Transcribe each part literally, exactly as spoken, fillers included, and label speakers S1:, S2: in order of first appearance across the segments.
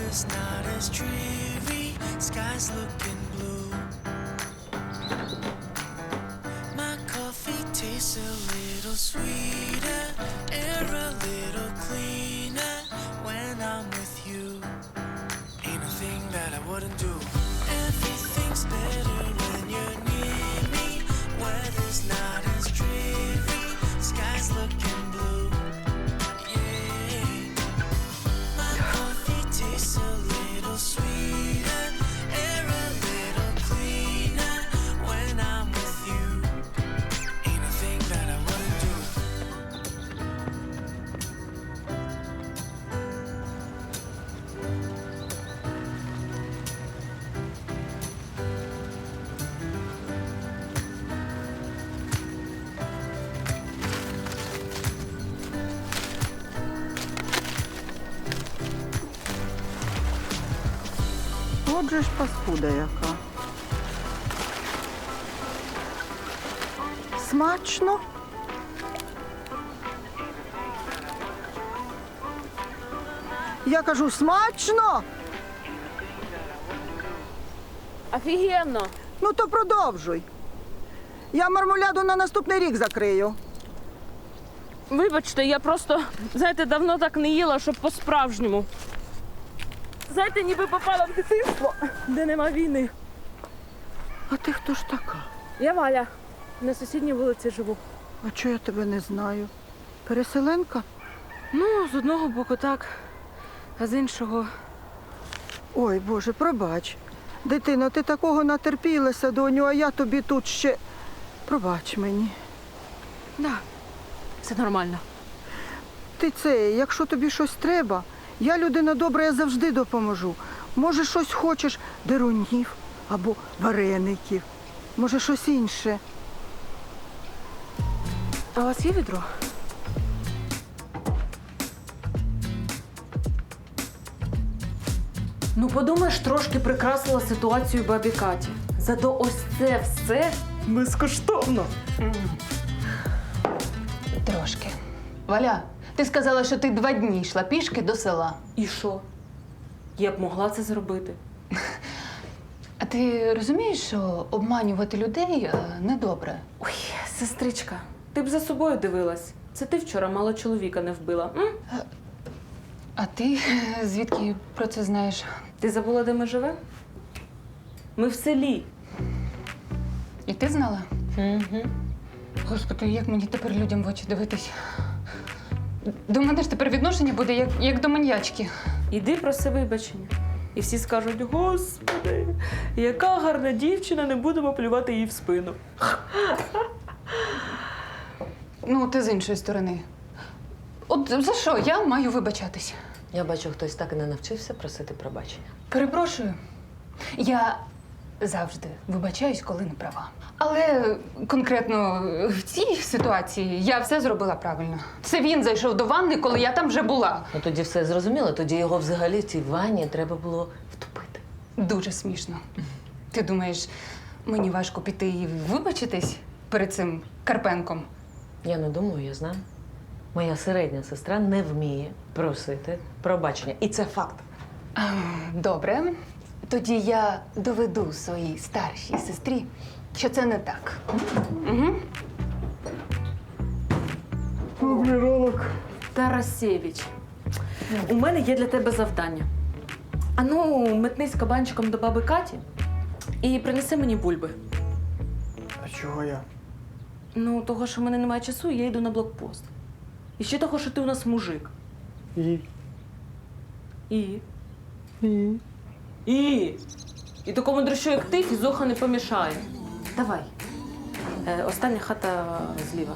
S1: weather's not as dreary, sky's looking blue. My coffee tastes a little sweeter, air a little cleaner when I'm with you. Ain't a thing that I wouldn't do. Everything's better when you're near me. Weather's not as dreary, sky's looking blue. Yeah. My coffee tastes a little sweeter, air a little cleaner when I'm with you. Ain't a thing that I wouldn't do.
S2: Отже ж паскуда яка. Смачно? Я кажу, смачно?
S3: Офігенно!
S2: Ну то продовжуй. Я мармуляду на наступний рік закрию.
S3: Вибачте, я просто, знаєте, давно так не їла, щоб по-справжньому. Знаєте, ніби попала в дитинство, де нема війни.
S2: А ти хто ж така?
S3: Я Валя, на сусідній вулиці живу.
S2: А чого я тебе не знаю? Переселенка?
S3: Ну, з одного боку так, а з іншого...
S2: Ой, Боже, пробач. Дитино, ти такого натерпілася, доню, а я тобі тут ще... Пробач мені.
S3: Да, все нормально.
S2: Ти це, якщо тобі щось треба, я людина добра, я завжди допоможу. Може, щось хочеш дерунів або вареників. Може, щось інше.
S3: А у вас є відро? Ну, подумаєш, трошки прикрасила ситуацію бабі Каті. Зато ось це все безкоштовно.
S4: Трошки. Валя, ти сказала, що ти два дні йшла пішки до села.
S3: І що? Я б могла це зробити.
S4: А ти розумієш, що обманювати людей е, недобре?
S3: Ой, сестричка, ти б за собою дивилась. Це ти вчора мало чоловіка не вбила. М?
S4: А ти е, звідки про це знаєш?
S3: Ти забула, де ми живемо? Ми в селі.
S4: І ти знала?
S3: Угу.
S4: Господи, як мені тепер людям в очі дивитись? До мене ж тепер відношення буде як, як до маньячки.
S3: Іди проси вибачення. І всі скажуть: Господи, яка гарна дівчина, не будемо плювати їй в спину.
S4: Ну, ти з іншої сторони. От за що я маю вибачатись?
S5: Я бачу, хтось так і не навчився просити пробачення.
S4: Перепрошую. Я завжди вибачаюсь, коли не права. Але конкретно в цій ситуації я все зробила правильно. Це він зайшов до ванни, коли я там вже була.
S5: Ну тоді все зрозуміло, тоді його взагалі в цій ванні треба було втопити.
S4: Дуже смішно. Ти думаєш, мені важко піти і вибачитись перед цим Карпенком?
S5: Я не думаю, я знаю. Моя середня сестра не вміє просити пробачення. І це факт.
S4: А, добре. Тоді я доведу своїй старшій сестрі, що це не так. Угу.
S3: Тарасєвич, у мене є для тебе завдання. Ану, метнись кабанчиком до баби Каті і принеси мені бульби.
S6: А чого я?
S3: Ну, того, що в мене немає часу, я йду на блокпост. І ще того, що ти у нас мужик.
S6: І?
S3: І?
S6: І?
S3: І? І такому дрищу, як ти, фізуха не помішає. Давай. Е, остання хата зліва.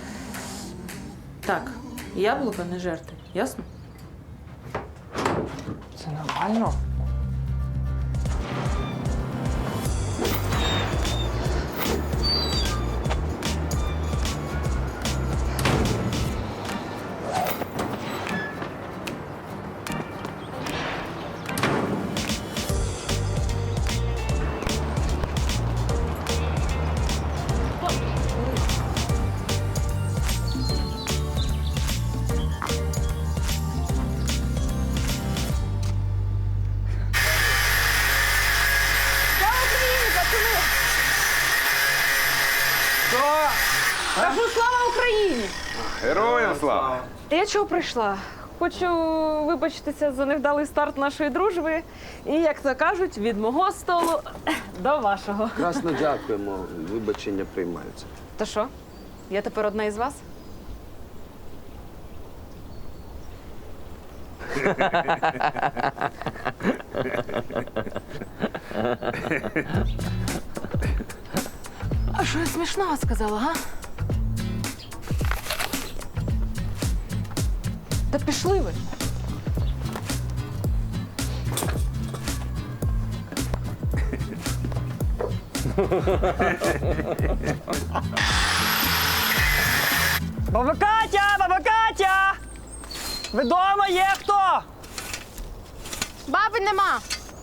S3: Так, яблука не жерти, ясно?
S6: Це нормально?
S3: Кажу, слава Україні!
S7: Героям слава!
S3: Я чого прийшла? Хочу вибачитися за невдалий старт нашої дружби. І, як то кажуть, від мого столу до вашого.
S7: Красно дякуємо, вибачення приймаються.
S3: То що? Я тепер одна із вас? А що я смішного сказала, га? Та пішли ви.
S6: Баба Катя! Баба Катя! Ви дома є хто?
S8: Баби нема.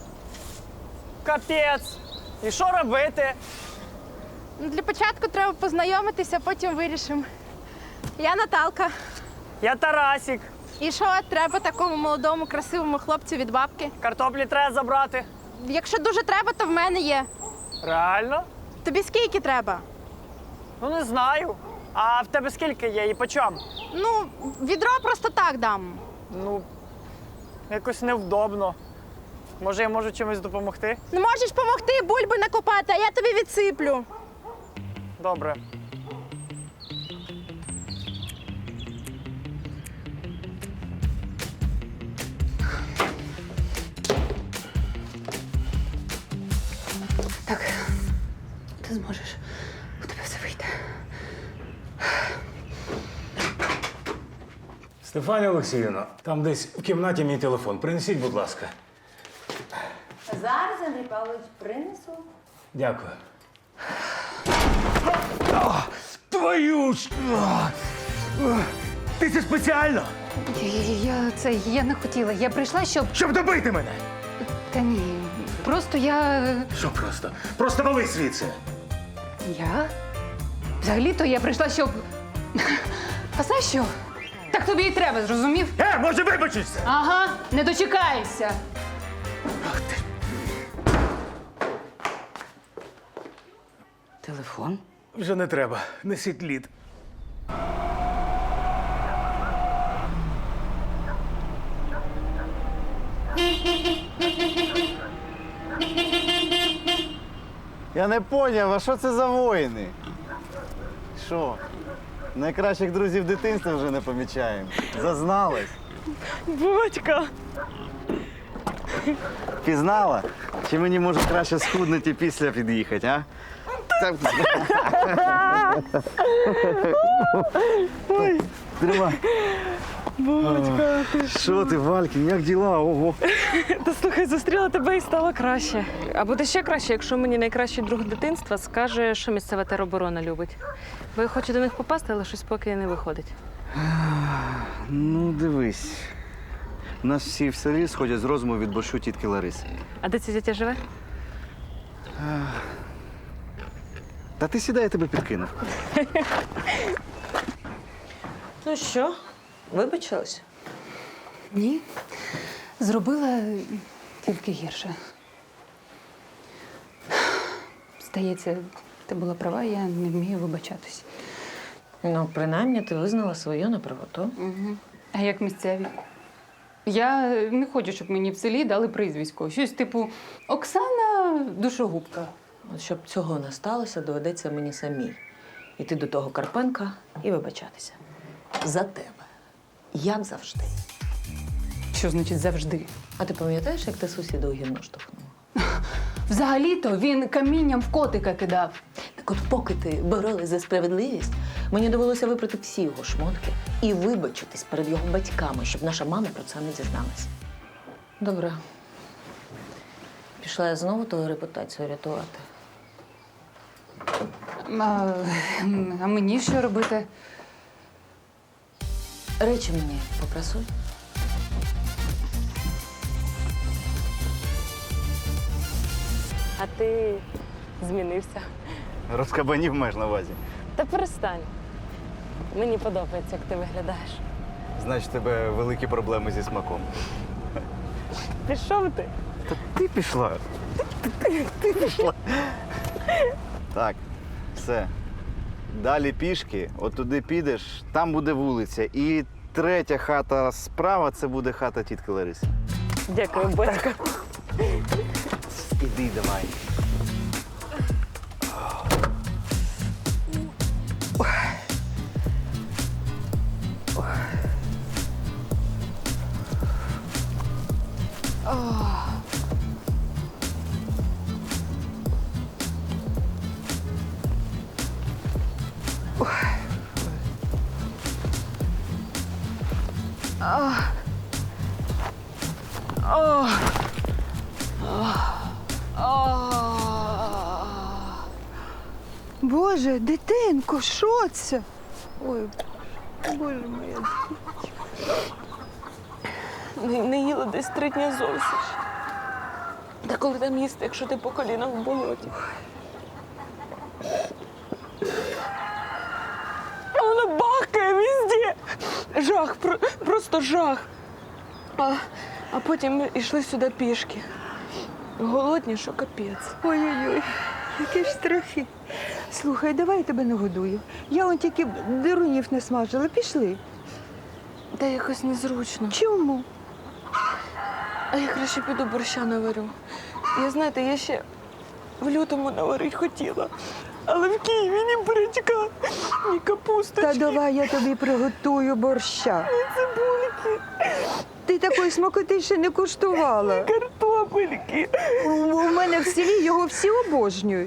S6: Капець. І що робити?
S8: Ну, для початку треба познайомитися, потім вирішимо. Я Наталка.
S6: Я Тарасік.
S8: І що треба такому молодому, красивому хлопцю від бабки?
S6: Картоплі треба забрати.
S8: Якщо дуже треба, то в мене є.
S6: Реально?
S8: Тобі скільки треба?
S6: Ну не знаю. А в тебе скільки є і по чому?
S8: Ну, відро просто так дам.
S6: Ну, якось невдобно. Може, я можу чимось допомогти?
S8: Не можеш допомогти бульби накопати, а я тобі відсиплю.
S6: Добре.
S4: Так, ти зможеш. У тебе все вийде.
S9: Стефанія Олексіївна, там десь в кімнаті мій телефон. Принесіть, будь ласка.
S10: Зараз, Андрій Павлович, принесу.
S9: Дякую. А, твою ж! А, а, ти це спеціально?
S4: Я, я, це, я не хотіла. Я прийшла, щоб.
S9: Щоб добити мене!
S4: Та ні. Просто я.
S9: Що просто? Просто вали звідси!
S4: Я? Взагалі-то я прийшла, щоб. А знаєш що? Так тобі і треба, зрозумів?
S9: Е, може вибачишся?
S4: Ага, не дочекаєшся.
S9: Ах ти.
S10: Телефон?
S9: Вже не треба. Несіть лід.
S11: Я не поняв, а що це за воїни? Що? Найкращих друзів дитинства вже не помічаємо. Зазналась.
S3: Батька!
S11: Пізнала? Чи мені може краще схуднути і після під'їхати, а? Так. Ой. Тримай.
S3: Батька, ти
S11: Що ти, Валькін, як діла? Ого.
S3: Та слухай, зустріла тебе і стало краще. А буде ще краще, якщо мені найкращий друг дитинства скаже, що місцева тероборона любить. Бо я хочу до них попасти, але щось поки не виходить.
S11: Ну, дивись. У нас всі в селі сходять з розуму від борщу тітки Лариси.
S3: А де ця дитя живе?
S11: Та ти сідай, я тебе підкинув.
S5: Ну що, вибачилась?
S4: Ні. Зробила тільки гірше. Здається, ти була права, я не вмію вибачатись.
S5: Ну, принаймні, ти визнала свою неправоту.
S4: Угу. А як місцеві? Я не хочу, щоб мені в селі дали прізвисько. Щось типу Оксана Душогубка.
S5: От щоб цього не сталося, доведеться мені самій іти до того Карпенка і вибачатися. За тебе. Як завжди.
S4: Що значить завжди?
S5: А ти пам'ятаєш, як ти сусіда у гімно штовхнула?
S4: Взагалі-то він камінням в котика кидав.
S5: Так от поки ти боролась за справедливість, мені довелося випрати всі його шмотки і вибачитись перед його батьками, щоб наша мама про це не дізналась. Добре. Пішла я знову твою репутацію рятувати.
S4: А, а мені що робити?
S5: Речі мені попрасуй.
S3: А ти змінився.
S11: Розкабанів маєш на увазі.
S3: Та перестань. Мені подобається, як ти виглядаєш.
S11: Значить, у тебе великі проблеми зі смаком.
S3: Пішов ти?
S11: Та ти пішла. Ти, ти, ти пішла. Так, все. Далі пішки, от туди підеш, там буде вулиця. І третя хата справа це буде хата тітки Лариси.
S3: Дякую, батько.
S11: Іди давай.
S2: Боже, дитинко, що це? Ой, боже моя.
S3: Не, не їла десь три дні зовсім. Та коли там їсти, якщо ти по колінах в болоті? А вона бахкає везде. Жах, про, просто жах. А, а потім ми йшли сюди пішки. Голодні, що капець.
S2: Ой-ой-ой, які ж страхи. Слухай, давай я тебе нагодую. Я он тільки дирунів не смажила. Пішли.
S3: Та якось незручно.
S2: Чому?
S3: А я краще піду борща наварю. Я, знаєте, я ще в лютому наварити хотіла. Але в Києві ні бурячка, ні капусточки.
S2: Та давай я тобі приготую борща.
S3: Ні цибульки,
S2: Ти такої смакоти ще не куштувала.
S3: картопельки.
S2: У у мене в селі його всі обожнюють.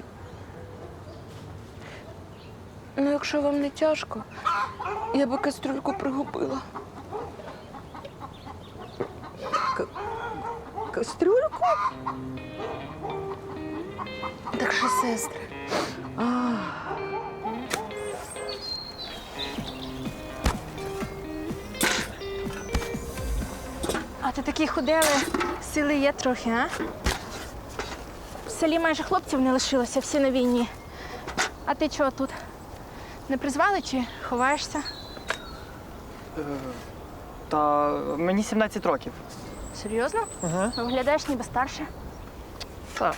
S3: Ну, якщо вам не тяжко, я би кастрюльку пригубила.
S2: Кастрюльку?
S3: Так що, сестри,
S8: А ти такі худели, сили є трохи, а? В селі майже хлопців не лишилося, всі на війні. А ти чого тут? Не призвали чи ховаєшся?
S6: Та мені сімнадцять років.
S8: Серйозно?
S6: Ага.
S8: Виглядаєш ніби старше.
S6: Так.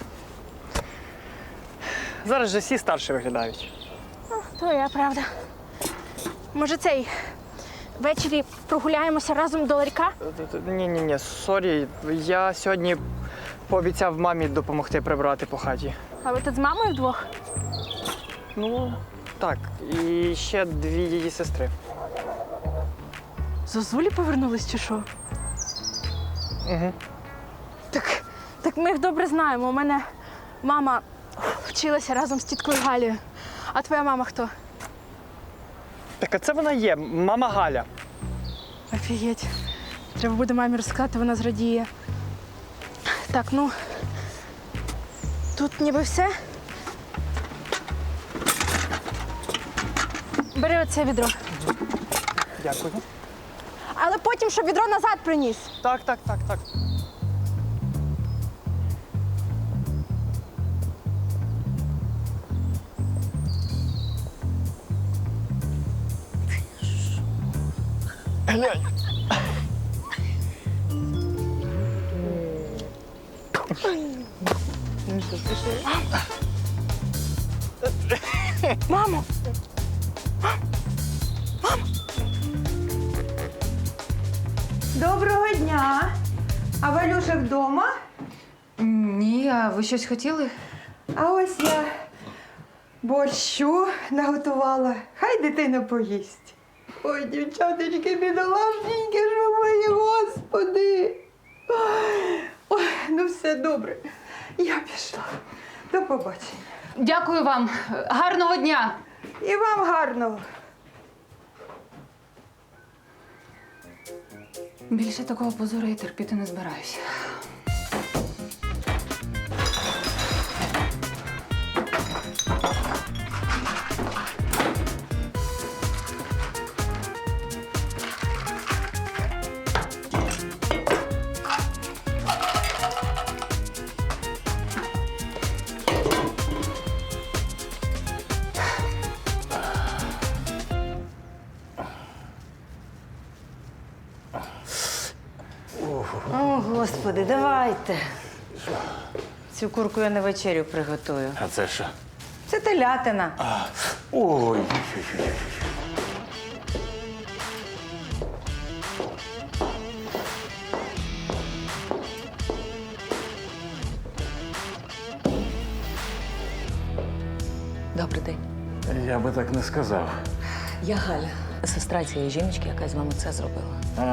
S6: Зараз же всі старші виглядають.
S8: Твоя правда. Може, цей ввечері прогуляємося разом до ларька?
S6: Ні-ні, ні, сорі. Я сьогодні пообіцяв мамі допомогти прибрати по хаті.
S8: А ви тут з мамою вдвох?
S6: Ну, так. І ще дві її сестри.
S8: Зозулі повернулись чи що?
S6: Угу.
S8: Так, так ми їх добре знаємо. У мене мама вчилася разом з тіткою Галією. А твоя мама хто?
S6: Так, а це вона є, мама Галя.
S8: Офігеть. Треба буде мамі розказати, вона зрадіє. Так, ну. Тут ніби все. Бери оце відро.
S6: Дякую.
S8: Але потім, щоб відро назад приніс.
S6: Так, так, так, так. Глянь.
S8: Мамо!
S2: Доброго дня. А Валюша вдома?
S4: Ні, а ви щось хотіли?
S2: А ось я борщу наготувала. Хай дитина поїсть. Ой, дівчаточки, бідолашненькі, що мої, господи. Ой, ну все добре. Я пішла. До побачення.
S4: Дякую вам. Гарного дня!
S2: І вам гарного.
S4: Більше такого позору я терпіти не збираюся.
S10: О, Господи, давайте. Цю курку я на вечерю приготую.
S9: А це що?
S10: Це телятина.
S9: Ой.
S5: Добрий день.
S9: Я би так не сказав.
S5: Я Галя, сестра цієї жіночки, яка з вами це зробила.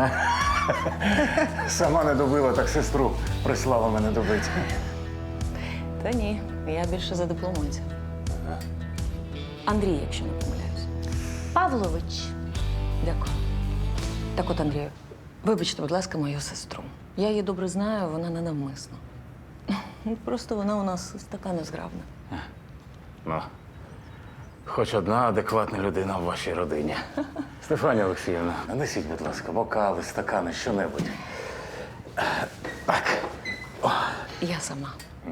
S9: Сама не добила, так сестру прислала мене добити.
S5: Та ні, я більше за дипломанця. Андрій, якщо не помиляюсь.
S10: Павлович.
S5: Дякую. Так от, Андрію, вибачте, будь ласка, мою сестру. Я її добре знаю, вона не навмисно. Ну, просто вона у нас така незграбна.
S9: Ну, хоч одна адекватна людина в вашій родині. Стефанія Олексіївна, нанесіть, будь ласка, бокали, стакани, що-небудь. Так. О.
S5: Я сама.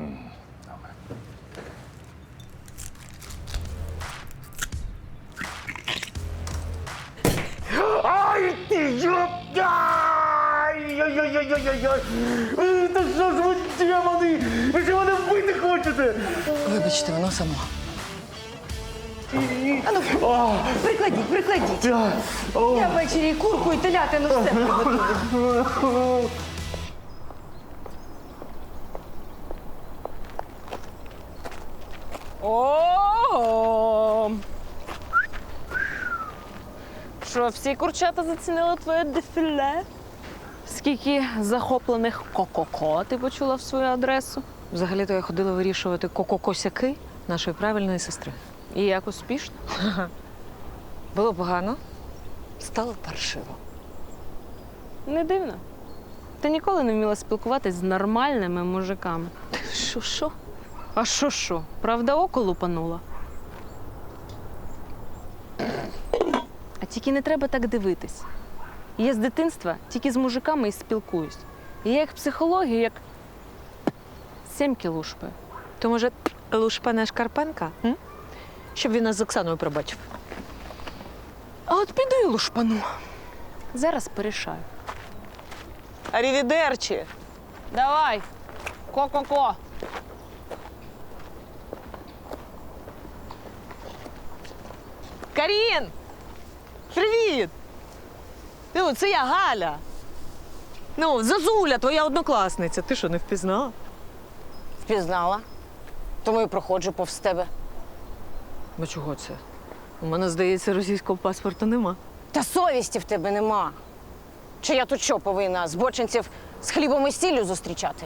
S9: Ай, ти йоп! Ай-яй-яй-яй-яй-яй! Е, Та що ж ви, демони? Ви що мене вбити хочете?
S5: Вибачте, воно само.
S10: Прикладіть, прикладіть.
S9: Та, о.
S10: Я ввечері і курку, і телятину все приготую.
S3: О! Що, всі курчата зацінили твоє дефіле? Скільки захоплених ко-ко-ко ти почула в свою адресу?
S5: Взагалі-то я ходила вирішувати ко-ко-косяки нашої правильної сестри.
S3: І як успішно?
S5: Було погано, стало паршиво.
S3: Не дивно. Ти ніколи не вміла спілкуватись з нормальними мужиками.
S5: Що, що?
S3: А що що? Правда, око лупанула? А тільки не треба так дивитись. Я з дитинства тільки з мужиками і спілкуюсь. І я їх психологію як сімки лушпаю.
S5: То, може, Лушпане Шкарпенка? М? Щоб він нас з Оксаною пробачив.
S3: А от піду і лушпану. Зараз порішаю.
S5: Арівідерчі!
S3: Давай, ко-ко-ко.
S12: Карін! Привіт! Ну, це я Галя. Ну, Зазуля, твоя однокласниця. Ти що, не впізнала?
S10: Впізнала. Тому і проходжу повз тебе.
S12: Ну чого це? У мене, здається, російського паспорта нема.
S10: Та совісті в тебе нема. Чи я тут що повинна збочинців з хлібом і сіллю зустрічати?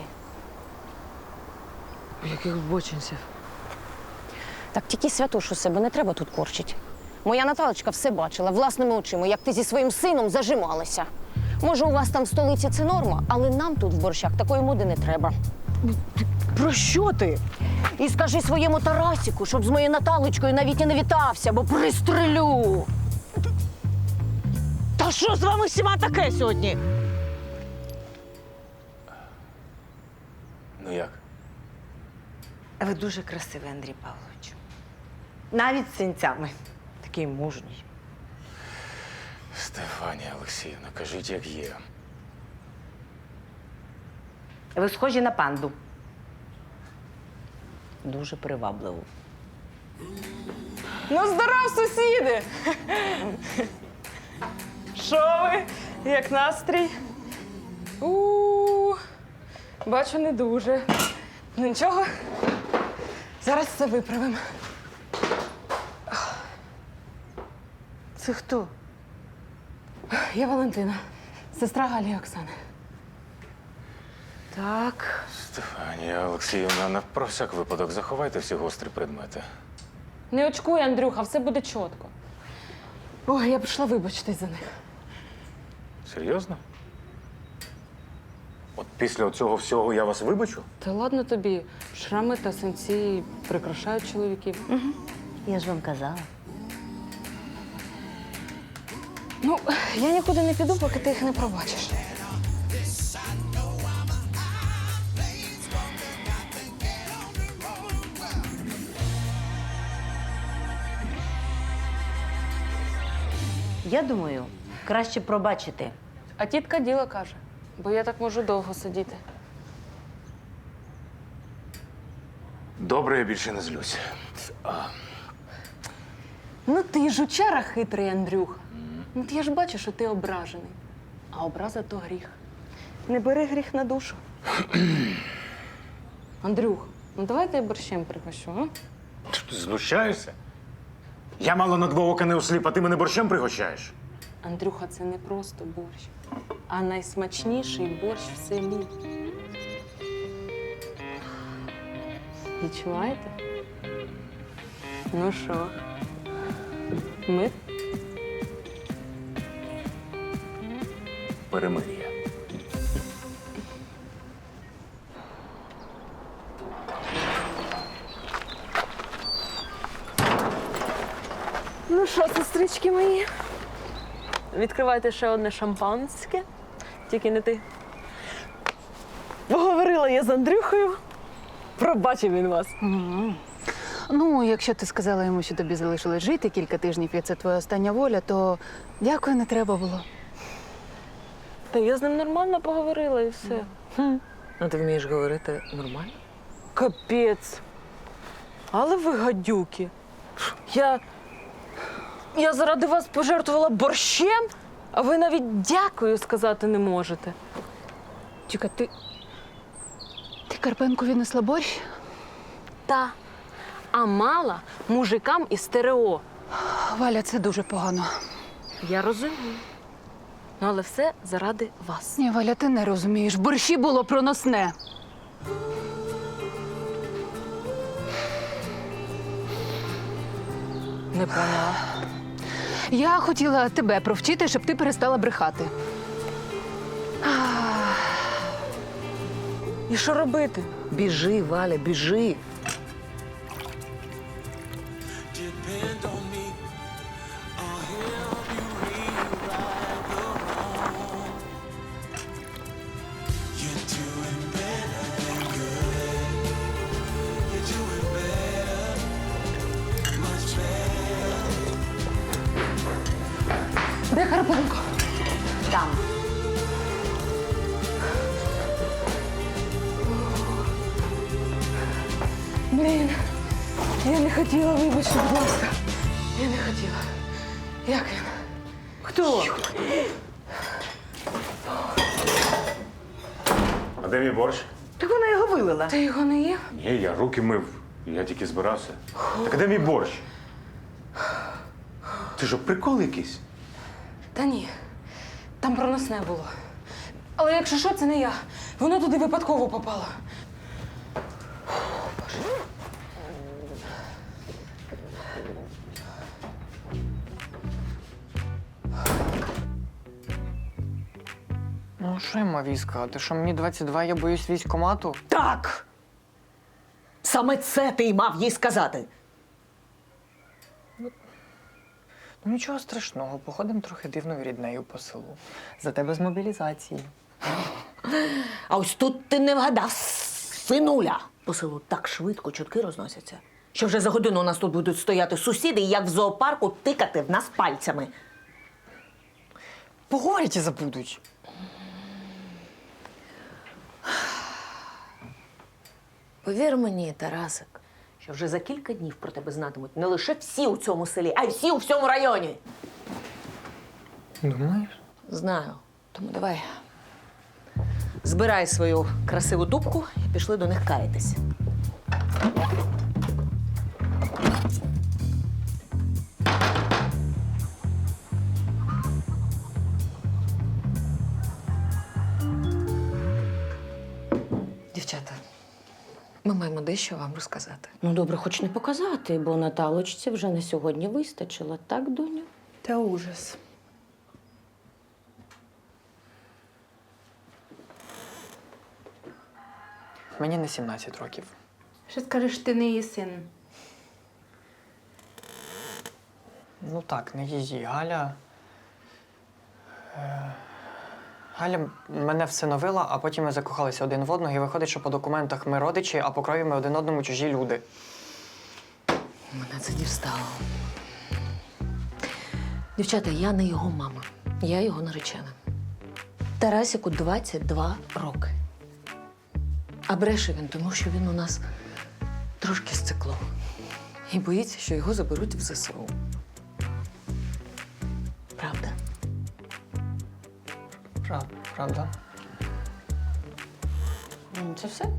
S12: Яких бочинців?
S10: Так тільки святошу себе не треба тут корчить. Моя Наталочка все бачила власними очима, як ти зі своїм сином зажималася. Може, у вас там в столиці це норма, але нам тут в борщах такої моди не треба.
S12: Про що ти?
S10: І скажи своєму Тарасіку, щоб з моєю Наталочкою навіть і не вітався, бо пристрелю.
S12: Та що з вами всіма таке сьогодні?
S9: Ну як?
S10: Ви дуже красивий, Андрій Павлович. Навіть з синцями. Такий мужній.
S9: Стефанія Олексіївна, кажіть, як є.
S10: Ви схожі на панду. Дуже привабливо.
S3: Ну, здоров, сусіди! Що ви? Як настрій? У, бачу, не дуже. Ну нічого, зараз все виправимо.
S10: Це хто?
S3: Я Валентина, сестра Галі і Оксани.
S10: Так.
S9: Стефанія Олексіївна, на про всяк випадок заховайте всі гострі предмети.
S3: Не очкуй, Андрюха, все буде чітко. Ой, я прийшла вибачитись за них.
S9: Серйозно? От після цього всього я вас вибачу?
S3: Та ладно тобі, шрами та синці прикрашають чоловіків.
S10: Угу. Я ж вам казала.
S3: Ну, я нікуди не піду, поки ти їх не пробачиш.
S10: Я думаю, краще пробачити.
S3: А тітка діло каже, бо я так можу довго сидіти.
S9: Добре, я більше не злюсь.
S3: Ну ти жучара хитрий, Андрюха. Ну от я ж бачу, що ти ображений. А образа то гріх. Не бери гріх на душу. Андрюх, ну давай я борщем пригощу, а?
S9: Ти знущаєшся? Я мало на два ока не осліп, а ти мене борщем пригощаєш?
S3: Андрюха, це не просто борщ, а найсмачніший борщ в селі. Відчуваєте? Ну що? Ми?
S9: Перемир'я.
S3: Ну що, сестрички мої? Відкривайте ще одне шампанське. Тільки не ти. Поговорила я з Андрюхою. Пробачив він вас.
S4: Ну, якщо ти сказала йому, що тобі залишилось жити кілька тижнів, і це твоя остання воля, то дякую, не треба було.
S3: Та я з ним нормально поговорила і все.
S5: А ти вмієш говорити нормально?
S3: Капець. Але ви гадюки. Я. Я заради вас пожертвувала борщем, а ви навіть дякую сказати не можете.
S4: Чекай, ти. Ти Карпенку віднесла борщ?
S3: Та. А мала мужикам із стерео.
S4: Валя, це дуже погано.
S3: Я розумію. Ну, але все заради вас.
S4: Ні, Валя, ти не розумієш. В борщі було проносне.
S3: Не поняла.
S4: Я хотіла тебе провчити, щоб ти перестала брехати.
S3: І що робити?
S5: Біжи, Валя, біжи.
S1: Depend on me. I'll help you rewrite the wrong. You're doing better than good. You're doing better, much better.
S4: Де Карпенко?
S5: Там.
S3: Блін, я не хотіла, вибачте, будь ласка. Я не хотіла. Як він? Хто?
S9: А де мій борщ?
S3: Так вона його вилила. Ти його не їв?
S9: Ні, я руки мив. Я тільки збирався. Так а де мій борщ? Ти що, прикол якийсь?
S3: Та ні. Там проносне було. Але якщо що, це не я. Воно туди випадково попало.
S6: Ну, що я мав їй сказати? Що мені двадцять два, я боюсь військкомату?
S5: Так! Саме це ти й мав їй сказати.
S6: Ну, нічого страшного, походимо трохи дивною ріднею по селу. Зате без мобілізації.
S5: А ось тут ти не вгадав, синуля. По селу так швидко чутки розносяться, що вже за годину у нас тут будуть стояти сусіди і як в зоопарку тикати в нас пальцями.
S6: Поговорять і забудуть.
S5: Повір мені, Тарасик, що вже за кілька днів про тебе знатимуть не лише всі у цьому селі, а й всі у всьому районі.
S6: Думаєш?
S5: Знаю. Тому давай. Збирай свою красиву дубку і пішли до них каятись.
S3: Дівчата, ми маємо дещо вам розказати.
S10: Ну, добре, хоч не показати, бо Наталочці вже на сьогодні вистачило, так, доню?
S3: Та ужас.
S6: Мені не сімнадцять років.
S4: Що скажеш, ти не її син?
S6: Ну так, не її. Галя. Е... Галя мене всиновила, а потім ми закохалися один в одного, і виходить, що по документах ми родичі, а по крові ми один одному чужі люди.
S5: Мене це дістало. Дівчата, я не його мама. Я його наречена. Тарасику двадцять два роки. А бреше він, тому що він у нас
S3: трошки стекло. І боїться, що його заберуть в ЗСУ.
S5: Правда?
S6: Прав, правда.
S3: Ну, це все?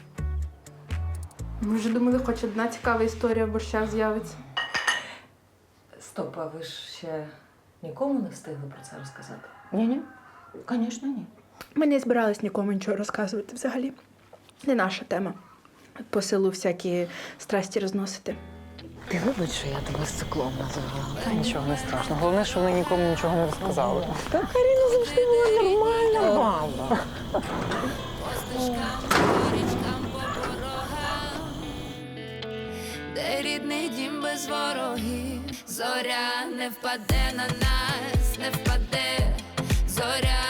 S8: Ми вже думали, хоч одна цікава історія в борщах з'явиться.
S3: Стоп, а ви ж ще нікому не встигли про це розказати?
S5: Ні-ні. Звісно, ні.
S8: Ми не збирались нікому нічого розказувати взагалі. Не наша тема. По селу всякі страсті розносити.
S5: Ти вибач, що я тебе циклом називала.
S6: Та нічого не страшно. Головне, що вони нікому нічого не розказали.
S5: Та Каріна завжди була нормальна баба.
S1: Де рідний дім без ворогів, зоря не впаде на нас, не впаде, зоря